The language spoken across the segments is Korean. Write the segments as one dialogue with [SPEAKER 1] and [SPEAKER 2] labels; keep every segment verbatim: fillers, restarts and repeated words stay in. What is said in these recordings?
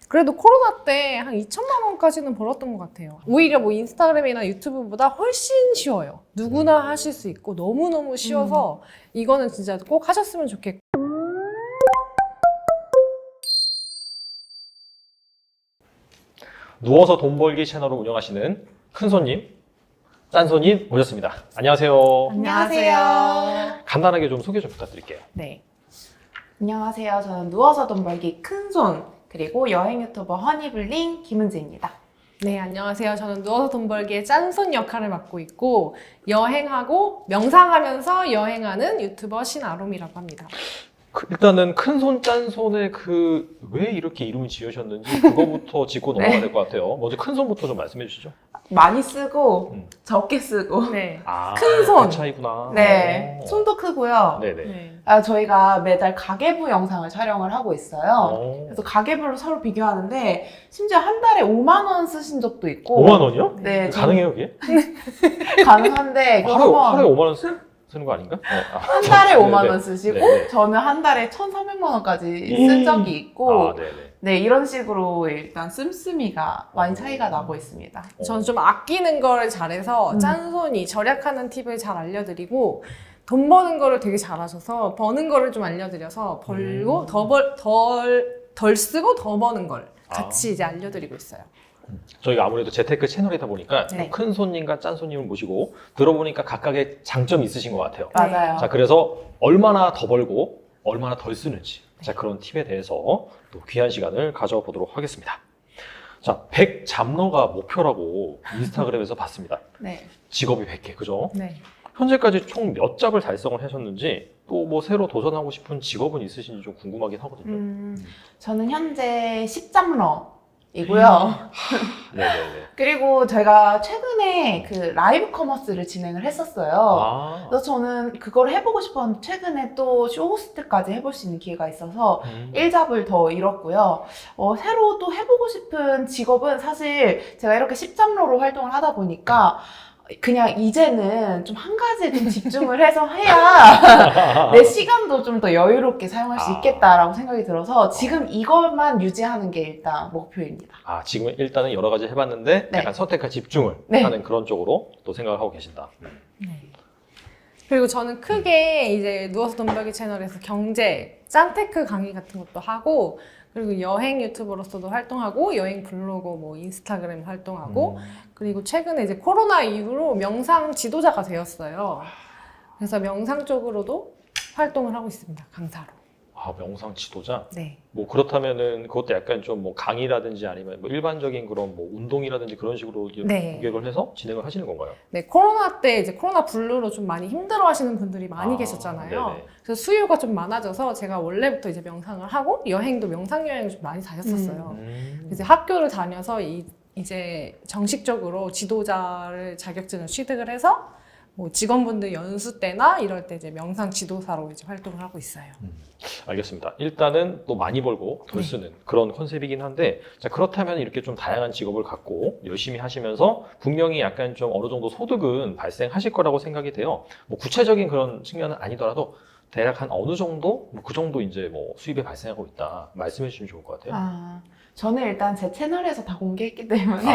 [SPEAKER 1] 그래도 코로나 때 한 이천만 원까지는 벌었던 것 같아요. 오히려 뭐 인스타그램이나 유튜브보다 훨씬 쉬워요. 누구나 하실 수 있고 너무너무 쉬워서 이거는 진짜 꼭 하셨으면 좋겠고.
[SPEAKER 2] 누워서 돈 벌기 채널을 운영하시는 큰손님, 짠손님 모셨습니다. 안녕하세요.
[SPEAKER 3] 안녕하세요.
[SPEAKER 2] 간단하게 좀 소개 좀 부탁드릴게요.
[SPEAKER 1] 네.
[SPEAKER 3] 안녕하세요. 저는 누워서 돈 벌기 큰손 그리고 여행 유튜버 허니블링 김은지입니다.
[SPEAKER 1] 네, 안녕하세요. 저는 누워서 돈 벌기의 짠손 역할을 맡고 있고 여행하고 명상하면서 여행하는 유튜버 신아롬이라고 합니다.
[SPEAKER 2] 그, 일단은 큰손, 짠손의 그 왜 이렇게 이름을 지으셨는지 그거부터 짚고
[SPEAKER 3] 네.
[SPEAKER 2] 넘어가야 될 것 같아요. 먼저 큰손부터 좀 말씀해 주시죠.
[SPEAKER 3] 많이 쓰고
[SPEAKER 2] 음.
[SPEAKER 3] 적게 쓰고
[SPEAKER 1] 네.
[SPEAKER 2] 아,
[SPEAKER 3] 큰 손.
[SPEAKER 2] 그 차이구나.
[SPEAKER 3] 네,
[SPEAKER 2] 오.
[SPEAKER 3] 손도 크고요.
[SPEAKER 2] 네네.
[SPEAKER 1] 네.
[SPEAKER 3] 아, 저희가 매달 가계부 영상을 촬영을 하고 있어요.
[SPEAKER 2] 오.
[SPEAKER 3] 그래서 가계부를 서로 비교하는데 심지어 한 달에 오만 원 쓰신 적도 있고
[SPEAKER 2] 오만 원이요?
[SPEAKER 3] 네,
[SPEAKER 2] 가능해요, 그게?
[SPEAKER 3] 가능한데 그거
[SPEAKER 2] 하루,
[SPEAKER 3] 한번
[SPEAKER 2] 하루에 오만 원 쓰, 쓰는 거 아닌가? 네. 아,
[SPEAKER 3] 한 달에
[SPEAKER 2] 네네.
[SPEAKER 3] 오만 원 쓰시고
[SPEAKER 2] 네네.
[SPEAKER 3] 저는 한 달에 천삼백만 원까지 쓴 적이 있고
[SPEAKER 2] 아, 네네.
[SPEAKER 3] 네, 이런 식으로 일단 씀씀이가 많이 차이가 나고 있습니다.
[SPEAKER 1] 저는 좀 아끼는 걸 잘해서
[SPEAKER 3] 음.
[SPEAKER 1] 짠손이 절약하는 팁을 잘 알려드리고 돈 버는 거를 되게 잘하셔서 버는 거를 좀 알려드려서 벌고
[SPEAKER 2] 음.
[SPEAKER 1] 더 벌, 덜, 덜 쓰고 더 버는 걸 같이
[SPEAKER 2] 아.
[SPEAKER 1] 이제 알려드리고 있어요.
[SPEAKER 2] 저희가 아무래도 재테크 채널이다 보니까
[SPEAKER 3] 네.
[SPEAKER 2] 큰 손님과 짠 손님을 모시고 들어보니까 각각의 장점이 있으신 것 같아요.
[SPEAKER 3] 맞아요.
[SPEAKER 2] 자, 그래서 얼마나 더 벌고 얼마나 덜 쓰는지 자, 그런 팁에 대해서 또 귀한 시간을 가져보도록 하겠습니다. 자, 백 잡러가 목표라고 인스타그램에서 봤습니다.
[SPEAKER 3] 네.
[SPEAKER 2] 직업이 백 개, 그죠?
[SPEAKER 1] 네.
[SPEAKER 2] 현재까지 총 몇 잡을 달성을 하셨는지 또 뭐 새로 도전하고 싶은 직업은 있으신지 좀 궁금하긴 하거든요.
[SPEAKER 3] 음, 저는 현재 십 잡러이고요.
[SPEAKER 2] 네네네.
[SPEAKER 3] 그리고 제가 최근에 그 라이브 커머스를 진행을 했었어요.
[SPEAKER 2] 아,
[SPEAKER 3] 그래서 저는 그걸 해보고 싶었는데 최근에 또 쇼호스트까지 해볼 수 있는 기회가 있어서
[SPEAKER 2] 음.
[SPEAKER 3] 일 잡을 더 잃었고요. 어, 새로 또 해보고 싶은 직업은 사실 제가 이렇게 십 잡러로 활동을 하다 보니까 그냥 이제는 좀 한 가지에 좀 집중을 해서 해야 내 시간도 좀 더 여유롭게 사용할 수
[SPEAKER 2] 아.
[SPEAKER 3] 있겠다라고 생각이 들어서 지금 이것만 유지하는 게 일단 목표입니다.
[SPEAKER 2] 아, 지금 일단은 여러 가지 해봤는데
[SPEAKER 3] 네.
[SPEAKER 2] 약간 선택과 집중을
[SPEAKER 3] 네.
[SPEAKER 2] 하는 그런 쪽으로 또 생각을 하고 계신다.
[SPEAKER 1] 네. 그리고 저는 크게 이제 누워서 돈 벌기 채널에서 경제, 짠테크 강의 같은 것도 하고 그리고 여행 유튜버로서도 활동하고 여행 블로그, 뭐 인스타그램 활동하고
[SPEAKER 2] 음.
[SPEAKER 1] 그리고 최근에 이제 코로나 이후로 명상 지도자가 되었어요. 그래서 명상 쪽으로도 활동을 하고 있습니다. 강사로.
[SPEAKER 2] 아, 명상 지도자?
[SPEAKER 1] 네.
[SPEAKER 2] 뭐 그렇다면은 그것도 약간 좀 뭐 강의라든지 아니면 뭐 일반적인 그런 뭐 운동이라든지 그런 식으로
[SPEAKER 1] 네.
[SPEAKER 2] 기획을 해서 진행을 하시는 건가요?
[SPEAKER 1] 네, 코로나 때 이제 코로나 블루로 좀 많이 힘들어 하시는 분들이 많이
[SPEAKER 2] 아,
[SPEAKER 1] 계셨잖아요.
[SPEAKER 2] 네네.
[SPEAKER 1] 그래서 수요가 좀 많아져서 제가 원래부터 이제 명상을 하고 여행도 명상 여행을 좀 많이 다녔었어요.
[SPEAKER 2] 음.
[SPEAKER 1] 이제 학교를 다녀서 이, 이제 정식적으로 지도자를 자격증을 취득을 해서 뭐 직원분들 연수 때나 이럴 때 이제 명상 지도사로 이제 활동을 하고 있어요.
[SPEAKER 2] 알겠습니다. 일단은 또 많이 벌고 덜
[SPEAKER 1] 네.
[SPEAKER 2] 쓰는 그런 컨셉이긴 한데 자, 그렇다면 이렇게 좀 다양한 직업을 갖고 열심히 하시면서 분명히 약간 좀 어느 정도 소득은 발생하실 거라고 생각이 돼요. 뭐 구체적인 그런 측면은 아니더라도 대략 한 어느 정도 뭐 그 정도 이제 뭐 수입이 발생하고 있다 말씀해 주시면 좋을 것 같아요.
[SPEAKER 3] 아, 저는 일단 제 채널에서 다 공개했기 때문에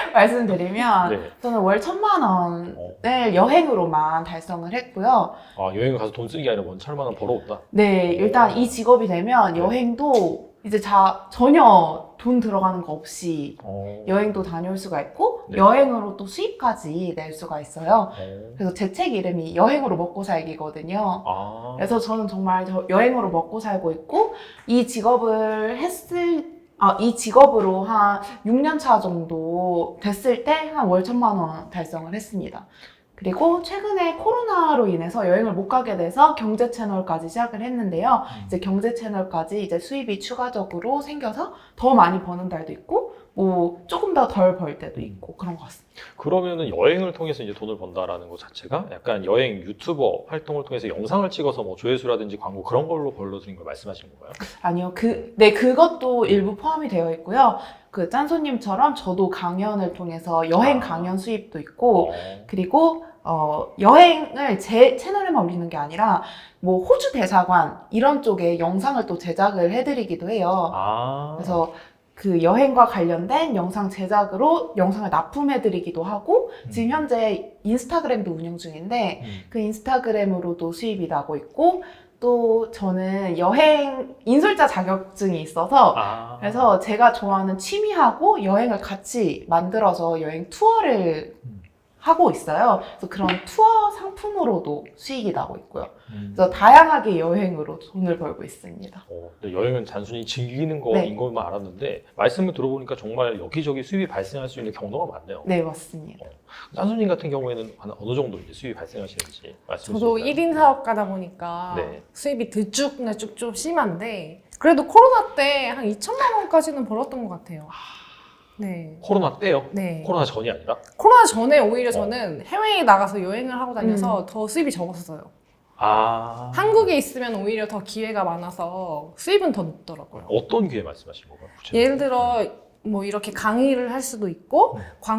[SPEAKER 3] 말씀드리면
[SPEAKER 2] 네.
[SPEAKER 3] 저는 월 천만 원을
[SPEAKER 2] 어.
[SPEAKER 3] 여행으로만 달성을 했고요.
[SPEAKER 2] 아, 여행 가서 돈 쓰는 게 아니라 원 천만 원 벌어온다.
[SPEAKER 3] 네, 일단 이 직업이 되면
[SPEAKER 2] 네.
[SPEAKER 3] 여행도 이제 자, 전혀 돈 들어가는 거 없이
[SPEAKER 2] 어.
[SPEAKER 3] 여행도 다녀올 수가 있고
[SPEAKER 2] 네.
[SPEAKER 3] 여행으로 또 수입까지 낼 수가 있어요.
[SPEAKER 2] 어.
[SPEAKER 3] 그래서 제 책 이름이 여행으로 먹고 살기거든요.
[SPEAKER 2] 아.
[SPEAKER 3] 그래서 저는 정말 저 여행으로 먹고 살고 있고 이 직업을 했을 아, 이 직업으로 한 육 년 차 정도 됐을 때 한 월 천만 원 달성을 했습니다. 그리고 최근에 코로나로 인해서 여행을 못 가게 돼서 경제 채널까지 시작을 했는데요.
[SPEAKER 2] 음.
[SPEAKER 3] 이제 경제 채널까지 이제 수입이 추가적으로 생겨서 더 많이 버는 달도 있고, 뭐 조금 더 덜 벌 때도 있고 그런 것 같습니다.
[SPEAKER 2] 그러면은 여행을 통해서 이제 돈을 번다라는 것 자체가 약간 여행 유튜버 활동을 통해서 영상을 찍어서 뭐 조회수라든지 광고 그런 걸로 벌러들인 걸 말씀하시는 건가요?
[SPEAKER 3] 아니요, 그, 네, 그것도 일부 포함이 되어 있고요. 그 짠소님처럼 저도 강연을 통해서 여행
[SPEAKER 2] 아.
[SPEAKER 3] 강연 수입도 있고,
[SPEAKER 2] 어.
[SPEAKER 3] 그리고 어, 여행을 제 채널에만 올리는 게 아니라 뭐 호주 대사관 이런 쪽에 영상을 또 제작을 해드리기도 해요.
[SPEAKER 2] 아.
[SPEAKER 3] 그래서 그 여행과 관련된 영상 제작으로 영상을 납품해드리기도 하고
[SPEAKER 2] 음.
[SPEAKER 3] 지금 현재 인스타그램도 운영 중인데
[SPEAKER 2] 음.
[SPEAKER 3] 그 인스타그램으로도 수입이 나고 있고 또 저는 여행 인솔자 자격증이 있어서
[SPEAKER 2] 아.
[SPEAKER 3] 그래서 제가 좋아하는 취미하고 여행을 같이 만들어서 여행 투어를
[SPEAKER 2] 음.
[SPEAKER 3] 하고 있어요. 그래서 그런 투어 상품으로도 수익이 나고 있고요.
[SPEAKER 2] 음.
[SPEAKER 3] 그래서 다양하게 여행으로 돈을 벌고 있습니다.
[SPEAKER 2] 어, 근데 여행은 단순히 즐기는 거인
[SPEAKER 3] 네.
[SPEAKER 2] 것만 알았는데 말씀을 들어보니까 정말 여기저기 수입이 발생할 수 있는 경로가 많네요.
[SPEAKER 3] 네, 맞습니다.
[SPEAKER 2] 짠수님 같은 경우에는 한 어느 정도 이제 수입이 발생하시는지 말씀해
[SPEAKER 1] 저도
[SPEAKER 2] 주실까요?
[SPEAKER 1] 일 인 사업가다 보니까
[SPEAKER 2] 네.
[SPEAKER 1] 수입이 들쭉날쭉 좀 심한데 그래도 코로나 때 한 이천만 원까지는 벌었던 것 같아요. 네.
[SPEAKER 2] 코로나 때요?
[SPEAKER 1] 네.
[SPEAKER 2] 코로나 전이 아니라?
[SPEAKER 1] 코로나 전에 오히려 저는 해외에 나가서 여행을 하고 다녀서
[SPEAKER 3] 음.
[SPEAKER 1] 더 수입이 적었어요.
[SPEAKER 2] 아.
[SPEAKER 1] 한국에 있으면 오히려 더 기회가 많아서 수입은 더 높더라고요.
[SPEAKER 2] 어떤 기회 말씀하신 건가요? 구체적으로?
[SPEAKER 1] 예를 들어 뭐 이렇게 강의를 할 수도 있고
[SPEAKER 2] 음.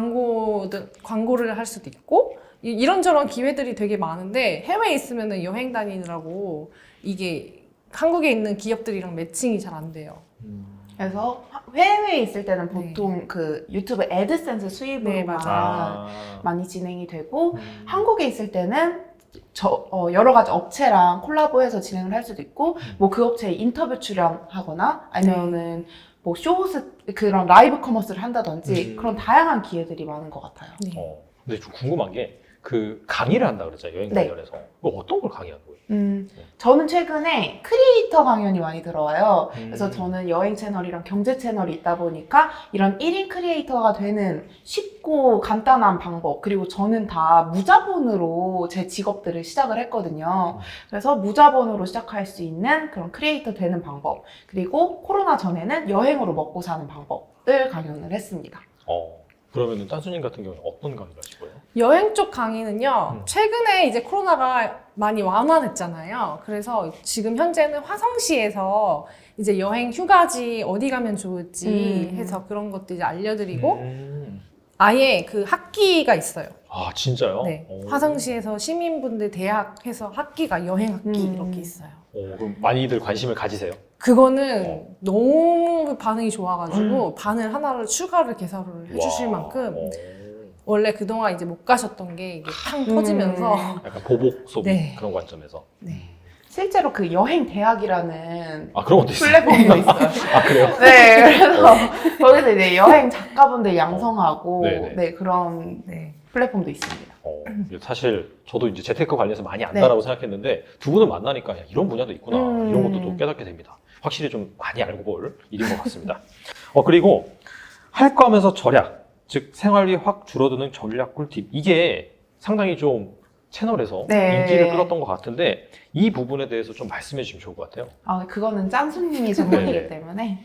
[SPEAKER 1] 광고 광고를 할 수도 있고 이- 이런저런 기회들이 되게 많은데 해외에 있으면은 여행 다니느라고 이게 한국에 있는 기업들이랑 매칭이 잘 안 돼요.
[SPEAKER 2] 음.
[SPEAKER 3] 그래서 해외에 있을 때는 보통 그 유튜브 애드센스
[SPEAKER 1] 네,
[SPEAKER 3] 수입으로만
[SPEAKER 1] 맞아요.
[SPEAKER 2] 아.
[SPEAKER 3] 많이 진행이 되고
[SPEAKER 2] 음.
[SPEAKER 3] 한국에 있을 때는 저, 어, 여러 가지 업체랑 콜라보해서 진행을 할 수도 있고
[SPEAKER 2] 음.
[SPEAKER 3] 뭐 그 업체에 인터뷰 출연하거나 아니면은 뭐 쇼호스 그런 라이브 커머스를 한다든지
[SPEAKER 2] 음.
[SPEAKER 3] 그런 다양한 기회들이 많은 것 같아요.
[SPEAKER 1] 네.
[SPEAKER 2] 어. 근데 좀 궁금한 게 그 강의를 한다 그랬잖아요. 여행
[SPEAKER 3] 네.
[SPEAKER 2] 관련해서. 그 어떤 걸 강의하는 거예요?
[SPEAKER 3] 음, 저는 최근에 크리에이터 강연이 많이 들어와요.
[SPEAKER 2] 음.
[SPEAKER 3] 그래서 저는 여행 채널이랑 경제 채널이 있다 보니까 이런 일 인 크리에이터가 되는 쉽고 간단한 방법, 그리고 저는 다 무자본으로 제 직업들을 시작을 했거든요.
[SPEAKER 2] 음.
[SPEAKER 3] 그래서 무자본으로 시작할 수 있는 그런 크리에이터 되는 방법, 그리고 코로나 전에는 여행으로 먹고 사는 방법을 강연을 했습니다.
[SPEAKER 2] 어. 그러면은 딴수님 같은 경우는 어떤 강의를 하실 거예요?
[SPEAKER 1] 여행 쪽 강의는요,
[SPEAKER 2] 음.
[SPEAKER 1] 최근에 이제 코로나가 많이 완화됐잖아요. 그래서 지금 현재는 화성시에서 이제 여행 휴가지 어디 가면 좋을지
[SPEAKER 3] 음.
[SPEAKER 1] 해서 그런 것도 이제 알려드리고,
[SPEAKER 2] 음.
[SPEAKER 1] 아예 그 학기가 있어요.
[SPEAKER 2] 아 진짜요?
[SPEAKER 1] 네.
[SPEAKER 2] 오.
[SPEAKER 1] 화성시에서 시민분들 대학해서 학기가 여행 학기
[SPEAKER 3] 음.
[SPEAKER 1] 이렇게 있어요.
[SPEAKER 2] 오, 그럼 많이들 관심을 가지세요?
[SPEAKER 1] 그거는
[SPEAKER 2] 어.
[SPEAKER 1] 너무 반응이 좋아가지고 바늘 하나를 추가를 개설을 해주실
[SPEAKER 2] 와.
[SPEAKER 1] 만큼
[SPEAKER 2] 오.
[SPEAKER 1] 원래 그동안 이제 못 가셨던 게 이게 탕
[SPEAKER 3] 음.
[SPEAKER 1] 터지면서
[SPEAKER 2] 약간 보복 소비
[SPEAKER 1] 네.
[SPEAKER 2] 그런 관점에서.
[SPEAKER 1] 네.
[SPEAKER 3] 실제로 그 여행 대학이라는
[SPEAKER 2] 아 그런 것도 있어요.
[SPEAKER 3] 플랫폼도 있어요.
[SPEAKER 2] 아 그래요?
[SPEAKER 3] 네, 그래서 거기서 이제 여행 작가분들 양성하고
[SPEAKER 2] 어. 네네.
[SPEAKER 3] 네, 그런
[SPEAKER 1] 네.
[SPEAKER 3] 플랫폼도 있습니다.
[SPEAKER 2] 어, 사실 저도 이제 재테크 관련해서 많이
[SPEAKER 3] 네.
[SPEAKER 2] 안다라고 생각했는데 두 분을 만나니까 야, 이런 분야도 있구나
[SPEAKER 3] 음.
[SPEAKER 2] 이런 것도 또 깨닫게 됩니다. 확실히 좀 많이 알고 볼 일인 것 같습니다. 어 그리고 할 거 하면서 절약, 즉 생활비 확 줄어드는 전략 꿀팁 이게 상당히 좀 채널에서
[SPEAKER 3] 네.
[SPEAKER 2] 인기를 끌었던 것 같은데 이 부분에 대해서 좀 말씀해 주시면 좋을 것 같아요.
[SPEAKER 3] 아, 그거는 짠수님이 전문이기
[SPEAKER 2] 네네.
[SPEAKER 3] 때문에.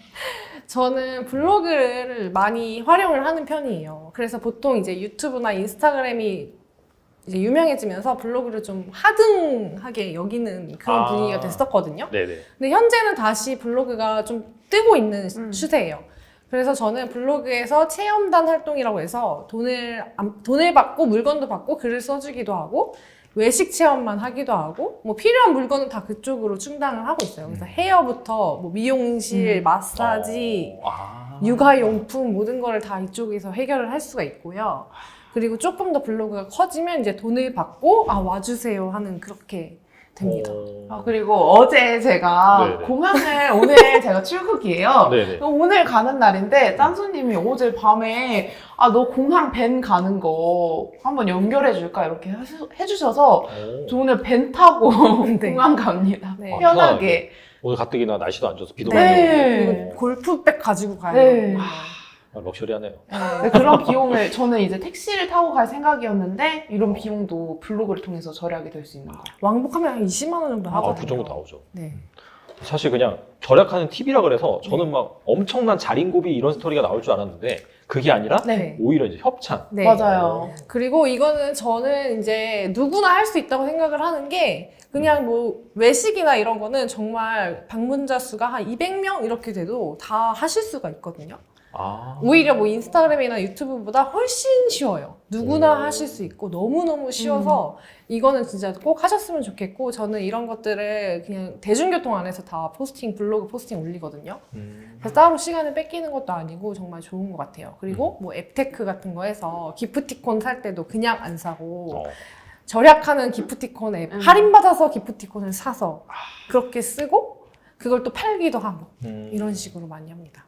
[SPEAKER 1] 저는 블로그를 많이 활용을 하는 편이에요. 그래서 보통 이제 유튜브나 인스타그램이 이제 유명해지면서 블로그를 좀 하등하게 여기는 그런
[SPEAKER 2] 아.
[SPEAKER 1] 분위기가 됐었거든요.
[SPEAKER 2] 네네.
[SPEAKER 1] 근데 현재는 다시 블로그가 좀 뜨고 있는
[SPEAKER 3] 음.
[SPEAKER 1] 추세예요. 그래서 저는 블로그에서 체험단 활동이라고 해서 돈을, 안- 돈을 받고 물건도 받고 글을 써주기도 하고 외식 체험만 하기도 하고 뭐 필요한 물건은 다 그쪽으로 충당을 하고 있어요. 그래서
[SPEAKER 2] 음.
[SPEAKER 1] 헤어부터 뭐 미용실,
[SPEAKER 3] 음.
[SPEAKER 1] 마사지,
[SPEAKER 2] 어, 아.
[SPEAKER 1] 육아용품 모든 거를 다 이쪽에서 해결을 할 수가 있고요. 그리고 조금 더 블로그가 커지면 이제 돈을 받고 아 와주세요 하는 그렇게 됩니다.
[SPEAKER 2] 어.
[SPEAKER 3] 아, 그리고 어제 제가
[SPEAKER 2] 네네.
[SPEAKER 3] 공항을 오늘 제가 출국이에요.
[SPEAKER 2] 네네.
[SPEAKER 3] 오늘 가는 날인데 짠수님이 어제 밤에 아, 너 공항 밴 가는 거 한번 연결해 줄까 이렇게 하시- 해주셔서
[SPEAKER 2] 오.
[SPEAKER 3] 저 오늘 밴 타고
[SPEAKER 1] 네.
[SPEAKER 3] 공항 갑니다.
[SPEAKER 1] 네.
[SPEAKER 2] 아,
[SPEAKER 3] 편하게.
[SPEAKER 2] 오늘 가뜩이나 날씨도 안 좋아서 비도
[SPEAKER 3] 네.
[SPEAKER 2] 많이 오고
[SPEAKER 1] 그리고 골프백 가지고 가요.
[SPEAKER 3] 네.
[SPEAKER 2] 아, 럭셔리하네요.
[SPEAKER 3] 네, 그런 비용을 저는 이제 택시를 타고 갈 생각이었는데 이런 비용도 블로그를 통해서 절약이 될 수 있는 거예요.
[SPEAKER 1] 왕복하면 한 이십만 원 정도 하거든요.
[SPEAKER 2] 아, 그 정도 나오죠.
[SPEAKER 1] 네.
[SPEAKER 2] 사실 그냥 절약하는 팁이라 그래서 저는 막 엄청난 자린고비 이런 스토리가 나올 줄 알았는데 그게 아니라
[SPEAKER 1] 네.
[SPEAKER 2] 오히려 이제 협찬.
[SPEAKER 1] 네.
[SPEAKER 3] 맞아요.
[SPEAKER 1] 그리고 이거는 저는 이제 누구나 할 수 있다고 생각을 하는 게 그냥 뭐 외식이나 이런 거는 정말 방문자 수가 한 이백 명 이렇게 돼도 다 하실 수가 있거든요.
[SPEAKER 2] 아.
[SPEAKER 1] 오히려 뭐 인스타그램이나 유튜브보다 훨씬 쉬워요. 누구나
[SPEAKER 2] 오.
[SPEAKER 1] 하실 수 있고 너무너무 쉬워서 이거는 진짜 꼭 하셨으면 좋겠고 저는 이런 것들을 그냥 대중교통 안에서 다 포스팅, 블로그 포스팅 올리거든요.
[SPEAKER 2] 음.
[SPEAKER 1] 그래서 따로 시간을 뺏기는 것도 아니고 정말 좋은 것 같아요. 그리고 뭐 앱테크 같은 거 해서 기프티콘 살 때도 그냥 안 사고
[SPEAKER 2] 어.
[SPEAKER 1] 절약하는 기프티콘 앱
[SPEAKER 3] 음.
[SPEAKER 1] 할인받아서 기프티콘을 사서 그렇게 쓰고 그걸 또 팔기도 하고
[SPEAKER 2] 음.
[SPEAKER 1] 이런 식으로 많이 합니다.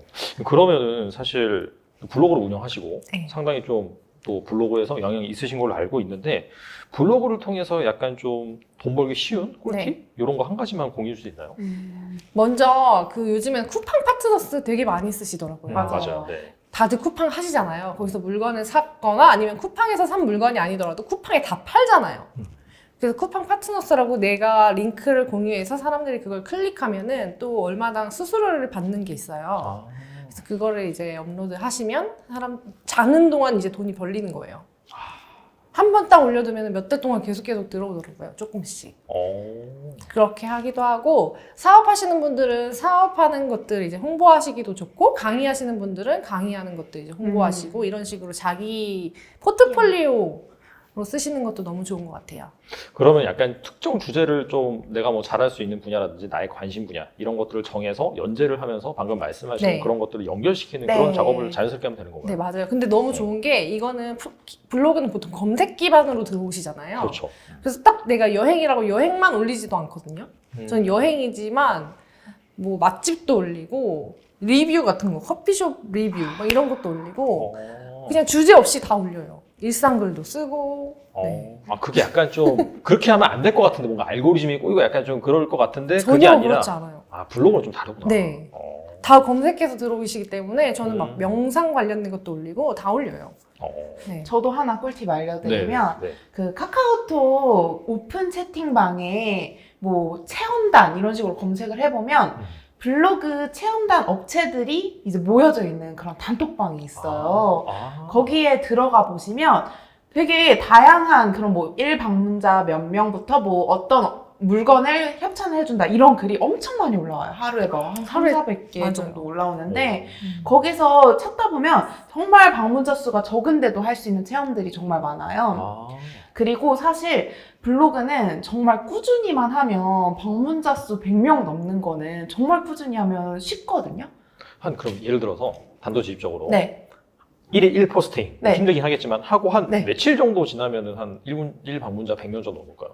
[SPEAKER 2] 그러면은 사실 블로그를 운영하시고
[SPEAKER 1] 네.
[SPEAKER 2] 상당히 좀 또 블로그에서 영향이 있으신 걸로 알고 있는데 블로그를 통해서 약간 좀 돈 벌기 쉬운 꿀팁
[SPEAKER 1] 네.
[SPEAKER 2] 이런 거 한 가지만 공유해 줄 수 있나요?
[SPEAKER 3] 음.
[SPEAKER 1] 먼저 그 요즘엔 쿠팡 파트너스 되게 많이 쓰시더라고요.
[SPEAKER 2] 음,
[SPEAKER 3] 맞아요.
[SPEAKER 2] 네.
[SPEAKER 1] 다들 쿠팡 하시잖아요. 거기서 물건을 샀거나 아니면 쿠팡에서 산 물건이 아니더라도 쿠팡에 다 팔잖아요.
[SPEAKER 2] 음.
[SPEAKER 1] 그래서 쿠팡 파트너스라고 내가 링크를 공유해서 사람들이 그걸 클릭하면은 또 얼마당 수수료를 받는 게 있어요.
[SPEAKER 2] 아.
[SPEAKER 1] 그래서 그거를 이제 업로드 하시면 사람 자는 동안 이제 돈이 벌리는 거예요. 한 번 딱 올려두면 몇 달 동안 계속 계속 들어오더라고요. 조금씩.
[SPEAKER 2] 어.
[SPEAKER 1] 그렇게 하기도 하고 사업하시는 분들은 사업하는 것들 이제 홍보하시기도 좋고 강의하시는 분들은 강의하는 것들 이제 홍보하시고 이런 식으로 자기 포트폴리오로 쓰시는 것도 너무 좋은 것 같아요.
[SPEAKER 2] 그러면 약간 특정 주제를 좀 내가 뭐 잘할 수 있는 분야라든지 나의 관심 분야 이런 것들을 정해서 연재를 하면서 방금 말씀하신
[SPEAKER 1] 네.
[SPEAKER 2] 그런 것들을 연결시키는
[SPEAKER 3] 네.
[SPEAKER 2] 그런 작업을 자연스럽게 하면 되는 건가요?
[SPEAKER 1] 네, 맞아요. 근데 너무 좋은 게 이거는 프- 블로그는 보통 검색 기반으로 들어오시잖아요.
[SPEAKER 2] 그렇죠.
[SPEAKER 1] 그래서 딱 내가 여행이라고 여행만 올리지도 않거든요.
[SPEAKER 2] 음.
[SPEAKER 1] 전 여행이지만 뭐 맛집도 올리고 리뷰 같은 거, 커피숍 리뷰 막 이런 것도 올리고
[SPEAKER 2] 어.
[SPEAKER 1] 그냥 주제 없이 다 올려요. 일상글도 쓰고.
[SPEAKER 2] 어.
[SPEAKER 1] 네.
[SPEAKER 2] 아 그게 약간 좀 그렇게 하면 안 될 것 같은데 뭔가 알고리즘이 꼬이고 약간 좀 그럴 것 같은데 그게
[SPEAKER 1] 전혀
[SPEAKER 2] 아니라
[SPEAKER 1] 그렇지 않아요.
[SPEAKER 2] 아 블로그는 좀 다르구나.
[SPEAKER 1] 네.
[SPEAKER 2] 어.
[SPEAKER 1] 다 검색해서 들어오시기 때문에 저는 막
[SPEAKER 2] 음.
[SPEAKER 1] 명상 관련된 것도 올리고 다 올려요.
[SPEAKER 2] 어.
[SPEAKER 1] 네.
[SPEAKER 3] 저도 하나 꿀팁 알려드리면
[SPEAKER 2] 네. 네.
[SPEAKER 3] 그 카카오톡 오픈 채팅방에 뭐 체험단 이런 식으로 검색을 해보면
[SPEAKER 2] 음.
[SPEAKER 3] 블로그 체험단 업체들이 이제 모여져 있는 그런 단톡방이 있어요.
[SPEAKER 2] 아.
[SPEAKER 3] 거기에 들어가 보시면 되게 다양한 그런 뭐 일 방문자 몇 명부터 뭐 어떤 물건을 협찬을 해준다 이런 글이 엄청 많이 올라와요. 하루에 뭐 한
[SPEAKER 1] 하루에-
[SPEAKER 3] 삼사백 개
[SPEAKER 1] 맞아요.
[SPEAKER 3] 정도 올라오는데
[SPEAKER 1] 음.
[SPEAKER 3] 거기서 찾다 보면 정말 방문자 수가 적은데도 할 수 있는 체험들이 정말 많아요.
[SPEAKER 2] 아.
[SPEAKER 3] 그리고 사실 블로그는 정말 꾸준히만 하면 방문자 수 백 명 넘는 거는 정말 꾸준히 하면 쉽거든요.
[SPEAKER 2] 한 그럼 예를 들어서 단도직입적으로
[SPEAKER 3] 네.
[SPEAKER 2] 일일 일 포스팅
[SPEAKER 3] 네.
[SPEAKER 2] 힘들긴 하겠지만 하고 한
[SPEAKER 3] 네.
[SPEAKER 2] 며칠 정도 지나면은 한 일 분 일 방문자 백 명 정도 넘을까요?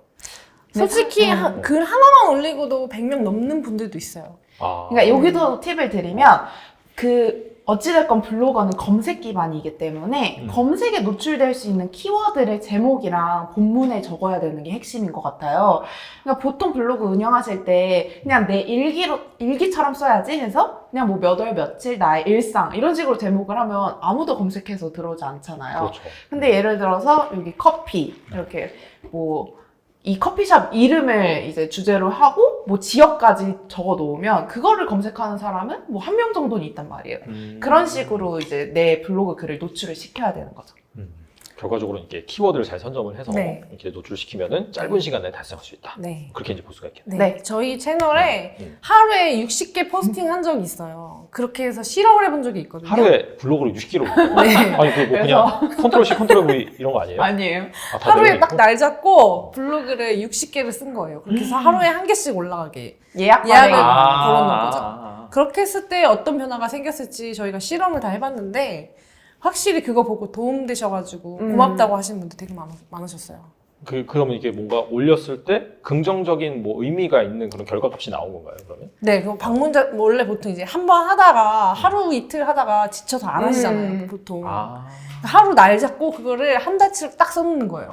[SPEAKER 1] 솔직히
[SPEAKER 3] 네.
[SPEAKER 1] 한- 글 하나만 올리고도 백 명 넘는 분들도 있어요.
[SPEAKER 2] 아.
[SPEAKER 3] 그러니까 여기도 팁을 드리면 그 어찌됐건 블로거는 검색 기반이기 때문에
[SPEAKER 2] 음.
[SPEAKER 3] 검색에 노출될 수 있는 키워드를 제목이랑 본문에 적어야 되는 게 핵심인 것 같아요. 그러니까 보통 블로그 운영하실 때 그냥 내 일기로, 일기처럼 써야지 해서 그냥 뭐 몇 월 며칠 나의 일상 이런 식으로 제목을 하면 아무도 검색해서 들어오지 않잖아요.
[SPEAKER 2] 그렇죠.
[SPEAKER 3] 근데 예를 들어서 여기 커피 이렇게 뭐 이 커피숍 이름을 이제 주제로 하고 뭐 지역까지 적어 놓으면 그거를 검색하는 사람은 뭐 한 명 정도는 있단 말이에요.
[SPEAKER 2] 음.
[SPEAKER 3] 그런 식으로 이제 내 블로그 글을 노출을 시켜야 되는 거죠.
[SPEAKER 2] 음. 결과적으로 이렇게 키워드를 잘 선점을 해서
[SPEAKER 1] 네.
[SPEAKER 2] 이렇게 노출시키면은 짧은 시간 내에 달성할 수 있다.
[SPEAKER 1] 네.
[SPEAKER 2] 그렇게 이제 볼 수가 있겠네.
[SPEAKER 1] 네.
[SPEAKER 3] 네.
[SPEAKER 1] 저희 채널에
[SPEAKER 2] 음.
[SPEAKER 1] 하루에 육십 개 포스팅 한 적이 있어요. 그렇게 해서 실험을 해본 적이 있거든요.
[SPEAKER 2] 하루에 블로그를 육십 개로 올려요.
[SPEAKER 1] 네.
[SPEAKER 2] 아니 그뭐 그냥 컨트롤 C 컨트롤 V 이런 거 아니에요?
[SPEAKER 3] 아니에요.
[SPEAKER 2] 아, 다
[SPEAKER 1] 하루에
[SPEAKER 2] 내용이
[SPEAKER 1] 딱 날 잡고 블로그를 육십 개를 쓴 거예요. 그렇게 해서 하루에 한 개씩 올라가게.
[SPEAKER 3] 예약
[SPEAKER 1] 예약을
[SPEAKER 3] 반응.
[SPEAKER 1] 아. 걸어놓은 거죠.
[SPEAKER 2] 아.
[SPEAKER 1] 그렇게 했을 때 어떤 변화가 생겼을지 저희가 실험을 다 해봤는데 확실히 그거 보고 도움되셔가지고
[SPEAKER 3] 음.
[SPEAKER 1] 고맙다고 하시는 분들 되게 많, 많으셨어요.
[SPEAKER 2] 그 그러면 이게 뭔가 올렸을 때 긍정적인 뭐 의미가 있는 그런 결과값이 나온 건가요? 그러면?
[SPEAKER 1] 네, 그 방문자 뭐 원래 보통 이제 한 번 하다가 하루 이틀 하다가 지쳐서 안 하시잖아요.
[SPEAKER 3] 음.
[SPEAKER 1] 보통
[SPEAKER 2] 아.
[SPEAKER 1] 하루 날 잡고 그거를 한 달치를 딱 써놓는 거예요.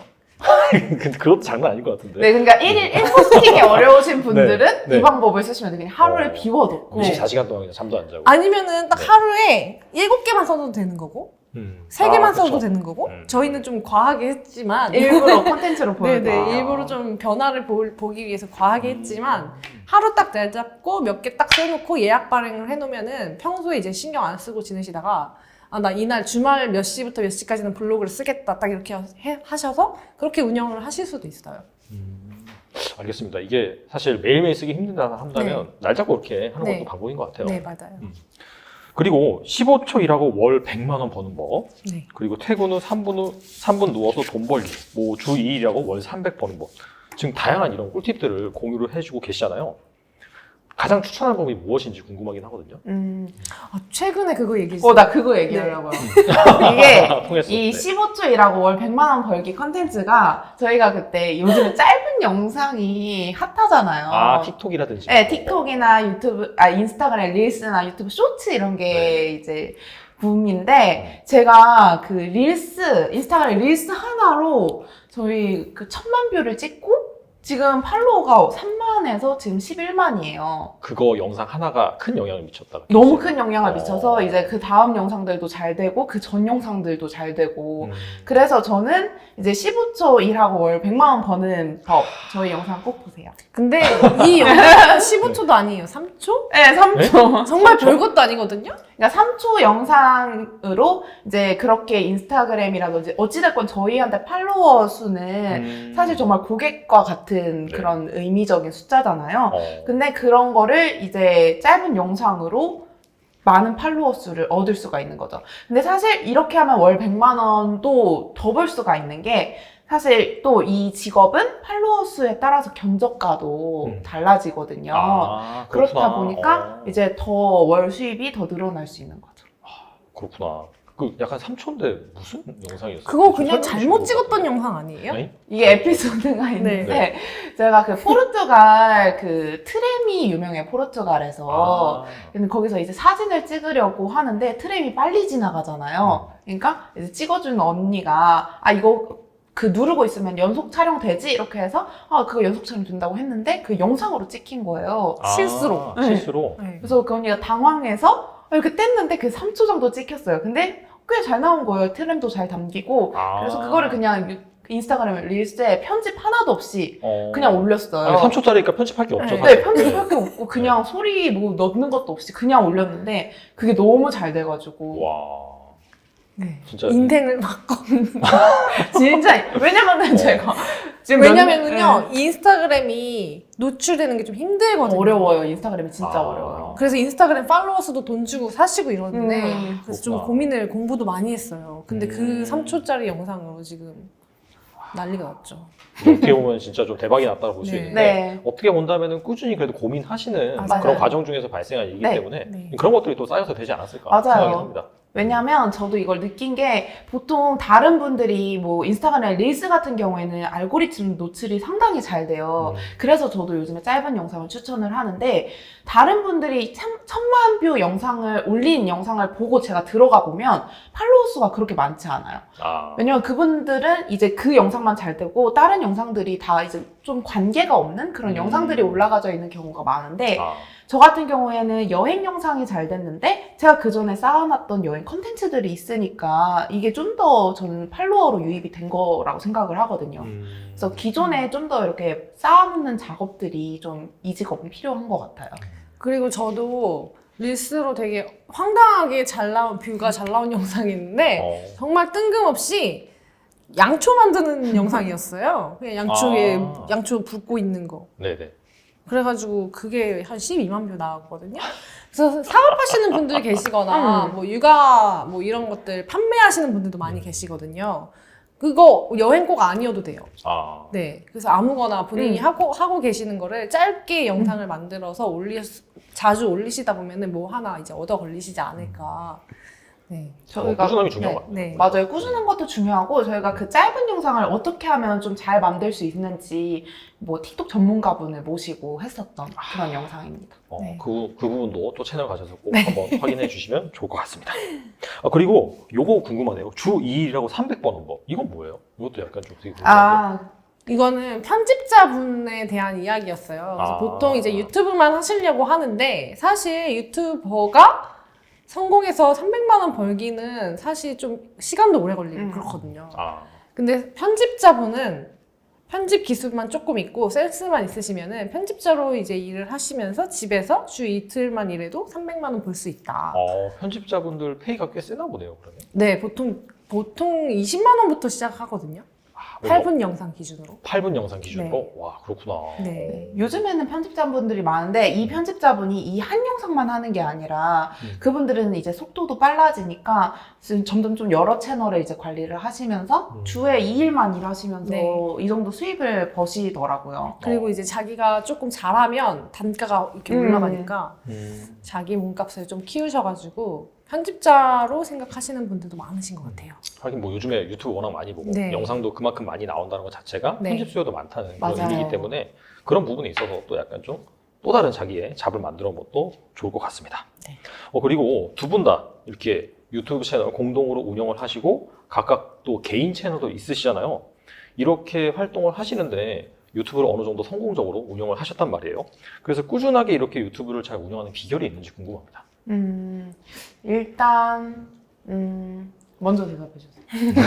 [SPEAKER 2] 근데 그것도 장난 아닌 것 같은데.
[SPEAKER 3] 네, 그러니까 일일 일 포스팅이 어려우신 분들은
[SPEAKER 2] 네, 네.
[SPEAKER 3] 이 방법을 쓰시면 돼요. 그냥 하루를
[SPEAKER 2] 어.
[SPEAKER 3] 비워놓고.
[SPEAKER 2] 이십사 시간 동안 그냥 잠도 안 자고.
[SPEAKER 1] 아니면은 딱
[SPEAKER 2] 네.
[SPEAKER 1] 하루에 일곱 개만 써도 되는 거고
[SPEAKER 2] 음.
[SPEAKER 1] 세
[SPEAKER 2] 아,
[SPEAKER 1] 개만
[SPEAKER 2] 그쵸.
[SPEAKER 1] 써도 되는 거고
[SPEAKER 2] 음.
[SPEAKER 1] 저희는 좀 과하게 했지만
[SPEAKER 3] 일부러 콘텐츠로 보여드려요.
[SPEAKER 1] 네네
[SPEAKER 2] 아.
[SPEAKER 1] 일부러 좀 변화를 보, 보기 위해서 과하게 했지만 하루 딱 날 잡고 몇 개 딱 써놓고 예약 발행을 해놓으면은 평소에 이제 신경 안 쓰고 지내시다가 아 나 이날 주말 몇 시부터 몇 시까지는 블로그를 쓰겠다 딱 이렇게 해, 하셔서 그렇게 운영을 하실 수도 있어요.
[SPEAKER 2] 음. 알겠습니다. 이게 사실 매일매일 쓰기 힘들다 한다면 날 잡고 이렇게 하는
[SPEAKER 1] 네.
[SPEAKER 2] 것도 방법인 것 같아요.
[SPEAKER 1] 네 맞아요.
[SPEAKER 2] 그리고 십오 초 일하고 월 백만 원 버는 법.
[SPEAKER 1] 네.
[SPEAKER 2] 그리고 퇴근 후 삼 분 후 삼 분 누워서 돈 벌기. 뭐 주 이 일하고 월 삼백 버는 법. 지금 다양한 이런 꿀팁들을 공유를 해주고 계시잖아요. 가장 추천하는 방법이 무엇인지 궁금하긴 하거든요.
[SPEAKER 3] 음.
[SPEAKER 1] 아, 최근에 그거 얘기했어요.
[SPEAKER 3] 어, 나 그거 얘기하려고요. 이게
[SPEAKER 2] 통했어.
[SPEAKER 3] 이
[SPEAKER 2] 네.
[SPEAKER 3] 십오 초 일하고 월 백만 원 벌기 컨텐츠가 저희가 그때 요즘에 짧은 영상이 핫하잖아요.
[SPEAKER 2] 아, 틱톡이라든지.
[SPEAKER 3] 네, 틱톡이나 유튜브, 아, 인스타그램 릴스나 유튜브 쇼츠 이런 게
[SPEAKER 2] 네.
[SPEAKER 3] 이제 붐인데, 제가 그 릴스, 인스타그램 릴스 하나로 저희 그 천만 뷰를 찍고, 지금 팔로워가 삼만에서 지금 십일만이에요.
[SPEAKER 2] 그거 영상 하나가 큰 영향을 미쳤다.
[SPEAKER 3] 너무 큰 영향을
[SPEAKER 2] 어.
[SPEAKER 3] 미쳐서 이제 그 다음 영상들도 잘 되고, 그 전 영상들도 잘 되고,
[SPEAKER 2] 음.
[SPEAKER 3] 그래서 저는 이제 십오 초 일하고 월 백만 원 버는 법, 저희 영상 꼭 보세요.
[SPEAKER 1] 근데 이 영상은 십오 초도 아니에요. 삼 초?
[SPEAKER 3] 네, 삼 초.
[SPEAKER 1] 정말 별것도 아니거든요?
[SPEAKER 3] 그러니까 삼 초 영상으로 이제 그렇게 인스타그램이라든지 어찌됐건 저희한테 팔로워 수는
[SPEAKER 2] 음.
[SPEAKER 3] 사실 정말 고객과 같은
[SPEAKER 2] 네.
[SPEAKER 3] 그런 의미적인 숫자잖아요.
[SPEAKER 2] 어.
[SPEAKER 3] 근데 그런 거를 이제 짧은 영상으로 많은 팔로워 수를 얻을 수가 있는 거죠. 근데 사실 이렇게 하면 월 백만 원도 더 벌 수가 있는 게 사실 또 이 직업은 팔로워 수에 따라서 견적가도
[SPEAKER 2] 음.
[SPEAKER 3] 달라지거든요.
[SPEAKER 2] 아,
[SPEAKER 3] 그렇다
[SPEAKER 2] 그렇구나.
[SPEAKER 3] 보니까
[SPEAKER 2] 어.
[SPEAKER 3] 이제 더 월 수입이 더 늘어날 수 있는 거죠.
[SPEAKER 2] 그렇구나. 그 약간 삼 초인데 무슨 영상이었어요?
[SPEAKER 1] 그거 그냥
[SPEAKER 2] 설명해
[SPEAKER 1] 잘못
[SPEAKER 2] 주신
[SPEAKER 1] 찍었던
[SPEAKER 2] 것 같은데.
[SPEAKER 1] 영상 아니에요?
[SPEAKER 2] 아니?
[SPEAKER 3] 이게 에피소드가 있는데
[SPEAKER 2] 네.
[SPEAKER 3] 제가 그 포르투갈 그 트램이 유명해 포르투갈에서
[SPEAKER 2] 아.
[SPEAKER 3] 근데 거기서 이제 사진을 찍으려고 하는데 트램이 빨리 지나가잖아요. 그러니까 이제 찍어주는 언니가 아 이거 그 누르고 있으면 연속 촬영 되지 이렇게 해서 아 그거 연속 촬영 된다고 했는데 그 영상으로 찍힌 거예요.
[SPEAKER 2] 아,
[SPEAKER 1] 실수로.
[SPEAKER 2] 실수로.
[SPEAKER 1] 네.
[SPEAKER 3] 그래서 그 언니가 당황해서 이렇게 뗐는데 그 삼 초 정도 찍혔어요. 근데 꽤 잘 나온 거예요. 트램도 잘 담기고
[SPEAKER 2] 아.
[SPEAKER 3] 그래서 그거를 그냥 유- 인스타그램 릴스에 편집 하나도 없이
[SPEAKER 2] 어.
[SPEAKER 3] 그냥 올렸어요.
[SPEAKER 2] 아니, 삼 초짜리니까 편집할 게 없죠.
[SPEAKER 1] 네.
[SPEAKER 2] 사실.
[SPEAKER 3] 네, 편집할 게 없고 그냥 소리 뭐 넣는 것도 없이 그냥 올렸는데 그게 너무 잘 돼가지고
[SPEAKER 2] 와.
[SPEAKER 1] 네.
[SPEAKER 2] 진짜.
[SPEAKER 1] 인생을 바꿔.
[SPEAKER 3] 진짜 왜냐면은
[SPEAKER 2] 어.
[SPEAKER 3] 제가 지금 몇-
[SPEAKER 1] 왜냐면은요, 인스타그램이 노출되는 게 좀
[SPEAKER 3] 네.
[SPEAKER 1] 힘들거든요.
[SPEAKER 3] 어려워요. 인스타그램이 진짜
[SPEAKER 2] 아.
[SPEAKER 3] 어려워요.
[SPEAKER 1] 그래서 인스타그램 팔로워 수도 돈 주고 사시고 이러는데,
[SPEAKER 3] 음,
[SPEAKER 1] 그래서 좀
[SPEAKER 2] 그렇구나.
[SPEAKER 1] 고민을, 공부도 많이 했어요. 근데
[SPEAKER 2] 음.
[SPEAKER 1] 그 삼 초짜리 영상으로 지금 난리가 났죠.
[SPEAKER 2] 어떻게 보면 진짜 좀 대박이 났다고 볼 수
[SPEAKER 1] 네.
[SPEAKER 2] 있는데
[SPEAKER 3] 네.
[SPEAKER 2] 어떻게 본다면은 꾸준히 그래도 고민하시는
[SPEAKER 1] 맞아요.
[SPEAKER 2] 그런 과정 중에서 발생한 일이기
[SPEAKER 3] 네.
[SPEAKER 2] 때문에
[SPEAKER 1] 네.
[SPEAKER 2] 그런 것들이 또 쌓여서 되지 않았을까
[SPEAKER 3] 맞아요.
[SPEAKER 2] 생각이 합니다.
[SPEAKER 3] 왜냐면 저도 이걸 느낀 게 보통 다른 분들이 뭐 인스타그램 릴스 같은 경우에는 알고리즘 노출이 상당히 잘 돼요.
[SPEAKER 2] 음.
[SPEAKER 3] 그래서 저도 요즘에 짧은 영상을 추천을 하는데 다른 분들이 참, 천만 뷰 영상을 올린 영상을 보고 제가 들어가 보면 팔로워 수가 그렇게 많지 않아요.
[SPEAKER 2] 아.
[SPEAKER 3] 왜냐면 그분들은 이제 그 영상만 잘 되고 다른 영상들이 다 이제 좀 관계가 없는 그런
[SPEAKER 2] 음.
[SPEAKER 3] 영상들이 올라가져 있는 경우가 많은데
[SPEAKER 2] 아.
[SPEAKER 3] 저 같은 경우에는 여행 영상이 잘 됐는데 제가 그 전에 쌓아놨던 여행 컨텐츠들이 있으니까 이게 좀 더 저는 팔로워로 유입이 된 거라고 생각을 하거든요.
[SPEAKER 2] 음.
[SPEAKER 3] 그래서 기존에 좀 더 이렇게 쌓아놓는 작업들이 좀 이 직업은 필요한 것 같아요.
[SPEAKER 1] 그리고 저도 릴스로 되게 황당하게 잘 나온, 뷰가 잘 나온 영상이 있는데,
[SPEAKER 2] 어.
[SPEAKER 1] 정말 뜬금없이 양초 만드는 영상이었어요. 그냥 양초에,
[SPEAKER 2] 아.
[SPEAKER 1] 양초 붓고 있는 거.
[SPEAKER 2] 네네.
[SPEAKER 1] 그래가지고 그게 한 십이만 뷰 나왔거든요. 그래서 사업하시는 분들이 계시거나
[SPEAKER 3] 음.
[SPEAKER 1] 뭐 육아 뭐 이런 것들 판매하시는 분들도 많이 계시거든요. 그거 여행 꼭 아니어도 돼요.
[SPEAKER 2] 아.
[SPEAKER 1] 네. 그래서 아무거나 본인이
[SPEAKER 3] 음.
[SPEAKER 1] 하고 하고 계시는 거를 짧게 영상을 만들어서 올리 자주 올리시다 보면은 뭐 하나 이제 얻어 걸리시지 않을까. 네.
[SPEAKER 2] 어,
[SPEAKER 3] 저희가
[SPEAKER 2] 꾸준함이 중요한
[SPEAKER 1] 네,
[SPEAKER 2] 것 같아요.
[SPEAKER 1] 네.
[SPEAKER 3] 맞아요. 꾸준한 것도 중요하고 저희가 그 짧은 영상을 어떻게 하면 좀 잘 만들 수 있는지 뭐 틱톡 전문가분을 모시고 했었던 그런 영상입니다.
[SPEAKER 2] 어,
[SPEAKER 1] 네.
[SPEAKER 2] 그, 그 부분도 또 채널 가셔서 꼭 한번 확인해 주시면 좋을 것 같습니다. 아, 그리고 요거 궁금하네요. 주 이 일이라고 삼백 버는 법. 이건 뭐예요? 이것도 약간 좀 되게 궁금한데.
[SPEAKER 3] 아,
[SPEAKER 1] 이거는 편집자분에 대한 이야기였어요. 그래서
[SPEAKER 2] 아.
[SPEAKER 1] 보통 이제 유튜브만 하시려고 하는데 사실 유튜버가 성공해서 삼백만 원 벌기는 사실 좀 시간도 오래 걸리고
[SPEAKER 3] 음.
[SPEAKER 1] 그렇거든요.
[SPEAKER 2] 아.
[SPEAKER 1] 근데 편집자분은 편집 기술만 조금 있고 센스만 있으시면은 편집자로 이제 일을 하시면서 집에서 주 이틀만 일해도 삼백만 원 벌 수 있다.
[SPEAKER 2] 어, 편집자분들 페이가 꽤 세나 보네요, 그러면.
[SPEAKER 1] 네, 보통 보통 이십만 원부터 시작하거든요.
[SPEAKER 2] 아,
[SPEAKER 1] 팔 분 영상 기준으로.
[SPEAKER 2] 팔 분 영상 기준으로? 와, 그렇구나.
[SPEAKER 1] 네.
[SPEAKER 3] 요즘에는 편집자분들이 많은데 이 편집자분이 이 한 영상만 하는 게 아니라
[SPEAKER 2] 음.
[SPEAKER 3] 그분들은 이제 속도도 빨라지니까 지금 점점 좀 여러 채널을 이제 관리를 하시면서
[SPEAKER 2] 음.
[SPEAKER 3] 주에 이 일만 일하시면서
[SPEAKER 1] 네.
[SPEAKER 3] 이 정도 수입을 버시더라고요.
[SPEAKER 1] 그리고
[SPEAKER 2] 어.
[SPEAKER 1] 이제 자기가 조금 잘하면 단가가 이렇게
[SPEAKER 3] 음.
[SPEAKER 1] 올라가니까
[SPEAKER 2] 음.
[SPEAKER 1] 자기 몸값을 좀 키우셔가지고 편집자로 생각하시는 분들도 많으신 것 같아요.
[SPEAKER 2] 하긴 뭐 요즘에 유튜브 워낙 많이 보고
[SPEAKER 1] 네.
[SPEAKER 2] 영상도 그만큼 많이 나온다는 것 자체가
[SPEAKER 1] 네.
[SPEAKER 2] 편집 수요도 많다는 그런
[SPEAKER 3] 맞아요.
[SPEAKER 2] 의미이기 때문에 그런 부분에 있어서 또 약간 좀 또 다른 자기의 잡을 만들어 본 것도 좋을 것 같습니다.
[SPEAKER 1] 네.
[SPEAKER 2] 어, 그리고 두 분 다 이렇게 유튜브 채널 공동으로 운영을 하시고 각각 또 개인 채널도 있으시잖아요. 이렇게 활동을 하시는데 유튜브를 어느 정도 성공적으로 운영을 하셨단 말이에요. 그래서 꾸준하게 이렇게 유튜브를 잘 운영하는 비결이 있는지 궁금합니다.
[SPEAKER 3] 음, 일단 음, 먼저 대답해 주세요.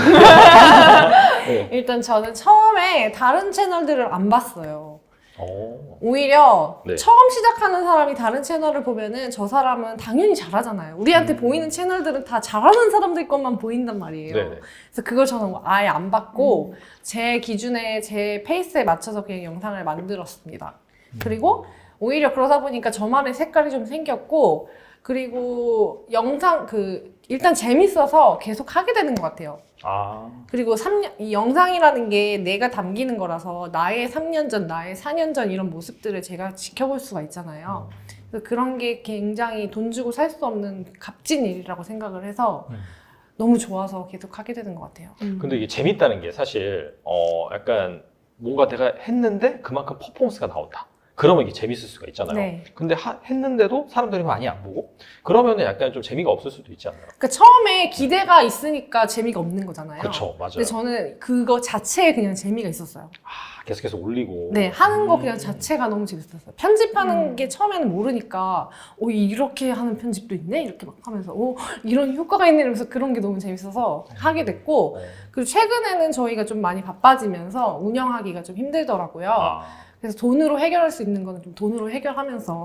[SPEAKER 2] 네.
[SPEAKER 1] 일단 저는 처음에 다른 채널들을 안 봤어요.
[SPEAKER 2] 어.
[SPEAKER 1] 오히려
[SPEAKER 2] 네.
[SPEAKER 1] 처음 시작하는 사람이 다른 채널을 보면은 저 사람은 당연히 잘하잖아요. 우리한테
[SPEAKER 2] 음.
[SPEAKER 1] 보이는 채널들은 다 잘하는 사람들 것만 보인단 말이에요.
[SPEAKER 2] 네네.
[SPEAKER 1] 그래서 그걸 저는 아예 안 봤고
[SPEAKER 3] 음.
[SPEAKER 1] 제 기준에 제 페이스에 맞춰서 그냥 영상을 만들었습니다.
[SPEAKER 2] 음.
[SPEAKER 1] 그리고 오히려 그러다 보니까 저만의 색깔이 좀 생겼고 그리고 영상 그 일단 재밌어서 계속 하게 되는 것 같아요.
[SPEAKER 2] 아.
[SPEAKER 1] 그리고 삼 년, 이 영상이라는 게 내가 담기는 거라서 나의 삼 년 전, 나의 사 년 전 이런 모습들을 제가 지켜볼 수가 있잖아요. 그래서 그런 게 굉장히 돈 주고 살 수 없는 값진 일이라고 생각을 해서
[SPEAKER 2] 음.
[SPEAKER 1] 너무 좋아서 계속 하게 되는 것 같아요.
[SPEAKER 3] 음.
[SPEAKER 2] 근데 이게 재밌다는 게 사실 어 약간 뭔가 내가 했는데 그만큼 퍼포먼스가 나온다. 그러면 이게 재밌을 수가 있잖아요.
[SPEAKER 1] 네.
[SPEAKER 2] 근데 하- 했는데도 사람들이 많이 안 보고 그러면 약간 좀 재미가 없을 수도 있지 않나요?
[SPEAKER 1] 그러니까 처음에 기대가 있으니까 재미가 없는 거잖아요.
[SPEAKER 2] 그렇죠, 맞아요.
[SPEAKER 1] 근데 저는 그거 자체에 그냥 재미가 있었어요.
[SPEAKER 2] 아, 계속해서 올리고.
[SPEAKER 1] 네, 하는 거
[SPEAKER 2] 음.
[SPEAKER 1] 그냥 자체가 너무 재밌었어요. 편집하는
[SPEAKER 3] 음.
[SPEAKER 1] 게 처음에는 모르니까, 오, 이렇게 하는 편집도 있네? 이렇게 막 하면서, 오, 이런 효과가 있네? 이러면서 그런 게 너무 재밌어서 하게 됐고,
[SPEAKER 2] 어.
[SPEAKER 1] 그리고 최근에는 저희가 좀 많이 바빠지면서 운영하기가 좀 힘들더라고요.
[SPEAKER 2] 아.
[SPEAKER 1] 그래서 돈으로 해결할 수 있는 거는 좀 돈으로 해결하면서.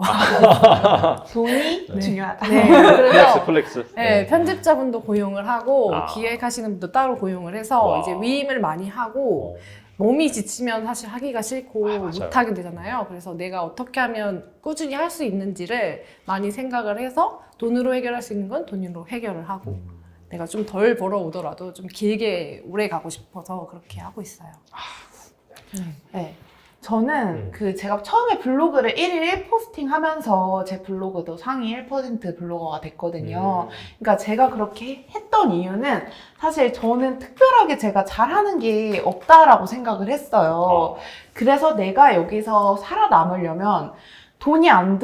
[SPEAKER 3] 돈이
[SPEAKER 2] 네.
[SPEAKER 3] 중요하다.
[SPEAKER 1] 네,
[SPEAKER 2] 플렉스,
[SPEAKER 1] 그래서
[SPEAKER 2] 플렉스.
[SPEAKER 1] 네, 편집자분도 고용을 하고,
[SPEAKER 2] 아.
[SPEAKER 1] 기획하시는 분도 따로 고용을 해서
[SPEAKER 2] 와.
[SPEAKER 1] 이제 위임을 많이 하고,
[SPEAKER 2] 어.
[SPEAKER 1] 몸이 지치면 사실 하기가 싫고
[SPEAKER 2] 아, 맞아요.
[SPEAKER 1] 못하게 되잖아요. 그래서 내가 어떻게 하면 꾸준히 할 수 있는지를 많이 생각을 해서 돈으로 해결할 수 있는 건 돈으로 해결을 하고
[SPEAKER 2] 음.
[SPEAKER 1] 내가 좀 덜 벌어오더라도 좀 길게 오래 가고 싶어서 그렇게 하고 있어요. 네.
[SPEAKER 3] 네. 저는
[SPEAKER 2] 음.
[SPEAKER 3] 그 제가 처음에 블로그를 일일 일 포스팅 하면서 제 블로그도 상위 일 퍼센트 블로거가 됐거든요.
[SPEAKER 2] 음.
[SPEAKER 3] 그러니까 제가 그렇게 했던 이유는 사실 저는 특별하게 제가 잘하는 게 없다라고 생각을 했어요.
[SPEAKER 2] 어.
[SPEAKER 3] 그래서 내가 여기서 살아남으려면 돈이 안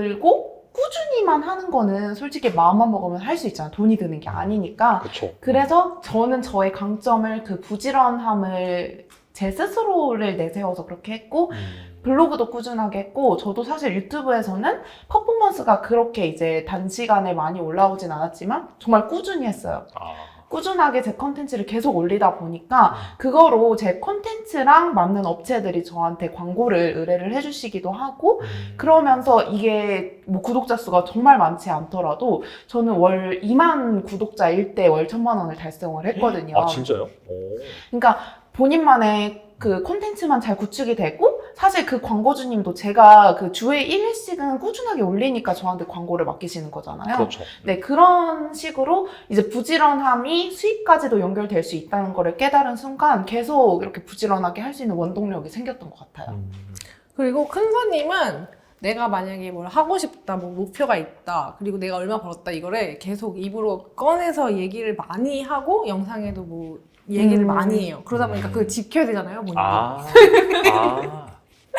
[SPEAKER 3] 들고 꾸준히만 하는 거는 솔직히 마음만 먹으면 할 수 있잖아요. 돈이 드는 게 아니니까.
[SPEAKER 2] 그쵸.
[SPEAKER 3] 그래서 저는 저의 강점을 그 부지런함을 제 스스로를 내세워서 그렇게 했고
[SPEAKER 2] 음.
[SPEAKER 3] 블로그도 꾸준하게 했고 저도 사실 유튜브에서는 퍼포먼스가 그렇게 이제 단시간에 많이 올라오진 않았지만 정말 꾸준히 했어요.
[SPEAKER 2] 아.
[SPEAKER 3] 꾸준하게 제 컨텐츠를 계속 올리다 보니까 그거로 제 컨텐츠랑 맞는 업체들이 저한테 광고를 의뢰를 해주시기도 하고
[SPEAKER 2] 음.
[SPEAKER 3] 그러면서 이게 뭐 구독자 수가 정말 많지 않더라도 저는 월 이만 구독자일 때 월 천만 원을 달성을 했거든요.
[SPEAKER 2] 아, 진짜요? 오.
[SPEAKER 3] 그러니까 본인만의 그 콘텐츠만 잘 구축이 되고 사실 그 광고주님도 제가 그 주에 일 회씩은 꾸준하게 올리니까 저한테 광고를 맡기시는 거잖아요.
[SPEAKER 2] 그렇죠.
[SPEAKER 3] 네, 그런 식으로 이제 부지런함이 수익까지도 연결될 수 있다는 거를 깨달은 순간 계속 이렇게 부지런하게 할 수 있는 원동력이 생겼던 것 같아요.
[SPEAKER 2] 음.
[SPEAKER 1] 그리고 큰 손님은 내가 만약에 뭘 하고 싶다, 뭐 목표가 있다, 그리고 내가 얼마 벌었다 이거를 계속 입으로 꺼내서 얘기를 많이 하고 영상에도 뭐 얘기를
[SPEAKER 3] 음.
[SPEAKER 1] 많이 해요. 그러다 보니까 그걸 지켜야 되잖아요, 본인이.
[SPEAKER 2] 아. 아.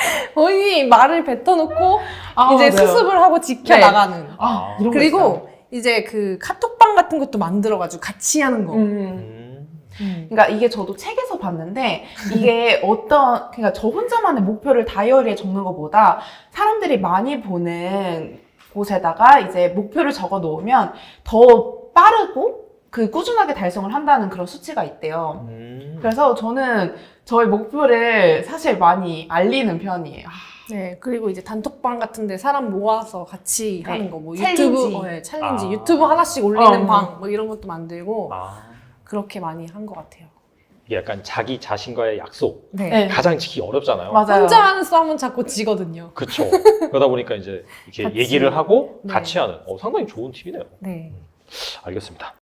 [SPEAKER 1] 본인이 말을 뱉어놓고
[SPEAKER 3] 아,
[SPEAKER 1] 이제
[SPEAKER 3] 맞아요.
[SPEAKER 1] 수습을 하고 지켜나가는.
[SPEAKER 3] 아, 이런 거 있어요.
[SPEAKER 1] 그리고 이제 그 카톡방 같은 것도 만들어가지고 같이 하는 거.
[SPEAKER 3] 음.
[SPEAKER 2] 음.
[SPEAKER 1] 음.
[SPEAKER 3] 그러니까 이게 저도 책에서 봤는데 이게 어떤 그러니까 저 혼자만의 목표를 다이어리에 적는 것보다 사람들이 많이 보는 곳에다가 이제 목표를 적어 놓으면 더 빠르고 그 꾸준하게 달성을 한다는 그런 수치가 있대요.
[SPEAKER 2] 음.
[SPEAKER 3] 그래서 저는 저의 목표를 사실 많이 알리는 편이에요.
[SPEAKER 1] 네, 그리고 이제 단톡방 같은데 사람 모아서 같이
[SPEAKER 3] 네.
[SPEAKER 1] 하는 거, 뭐
[SPEAKER 3] 챌린지.
[SPEAKER 1] 유튜브, 어, 네, 챌린지,
[SPEAKER 2] 아.
[SPEAKER 1] 유튜브 하나씩 올리는
[SPEAKER 3] 어.
[SPEAKER 1] 방, 뭐 이런 것도 만들고
[SPEAKER 2] 아.
[SPEAKER 1] 그렇게 많이 한 것 같아요.
[SPEAKER 2] 이게 약간 자기 자신과의 약속
[SPEAKER 1] 네.
[SPEAKER 3] 네.
[SPEAKER 2] 가장 지키기 어렵잖아요.
[SPEAKER 3] 맞아요.
[SPEAKER 1] 혼자 하는 싸움은 자꾸 지거든요.
[SPEAKER 2] 그렇죠. 그러다 보니까 이제 이렇게
[SPEAKER 1] 같이.
[SPEAKER 2] 얘기를 하고
[SPEAKER 1] 네.
[SPEAKER 2] 같이 하는 어, 상당히 좋은 팁이네요.
[SPEAKER 1] 네.
[SPEAKER 2] 알겠습니다.